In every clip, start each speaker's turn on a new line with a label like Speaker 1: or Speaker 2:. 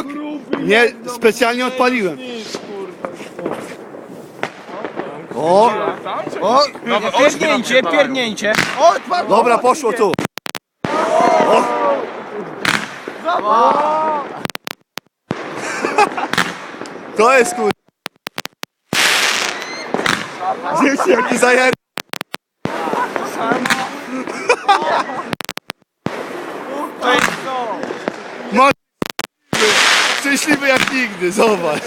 Speaker 1: Tak! Nie, specjalnie odpaliłem. O! O!
Speaker 2: Pierdnięcie.
Speaker 1: Dobra, poszło tu. O! To jest kur... Dzieci, jaki zajer... Masz... Szczęśliwy jak nigdy, zobacz.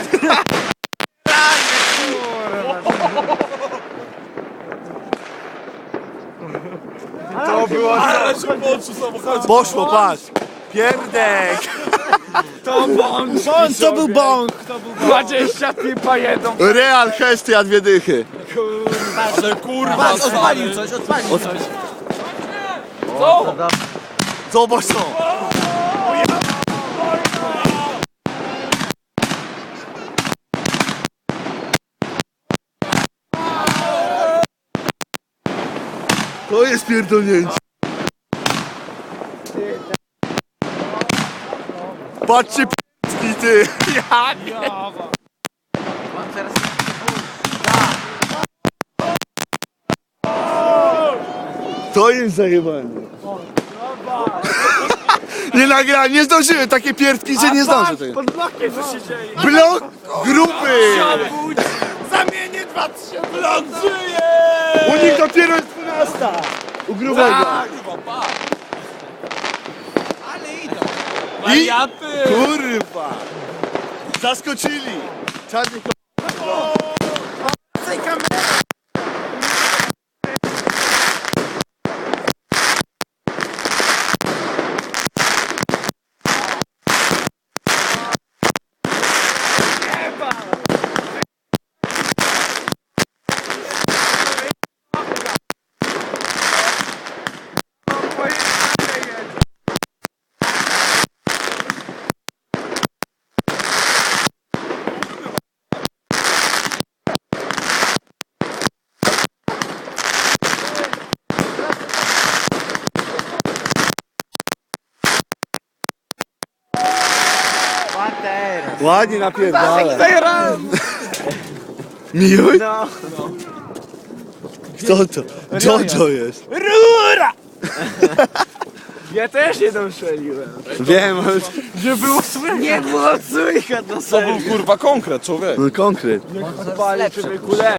Speaker 3: To było ale się poczuł samochodzie.
Speaker 1: Poszło, patrz. Pierdek.
Speaker 2: To bąk, to był bąk. 20 pipa jedą.
Speaker 1: Real hesty, a 2 dychy.
Speaker 3: Ale kurwa,
Speaker 2: Odpalił coś.
Speaker 1: Zobacz to. To jest pierdolnięcie. Patrzcie p***ki, ty. Ja nie. To jest zajebane. Nie nagrałem, nie zdążyłem, takie pierdki, że nie zdążę tego.
Speaker 2: Pod blokiem co się dzieje.
Speaker 1: Blok grupy!
Speaker 2: Zamienię 2000.
Speaker 3: Blok żyje!
Speaker 1: U nich dopiero jest 12. U grubego.
Speaker 2: Ale idą.
Speaker 3: Wariaty!
Speaker 1: Kurwa! Zaskoczyli! Czarny ładnie napierdala. Miły?
Speaker 2: No.
Speaker 1: Kto to? Jojo jest.
Speaker 2: Rura! Ja też jedną strzeliłem.
Speaker 1: Wiem, ale...
Speaker 2: Że było słychać. Nie było słychać, no
Speaker 3: To
Speaker 2: serio.
Speaker 3: był kurwa konkret, człowiek.
Speaker 1: No konkret.
Speaker 2: Pali człowieku,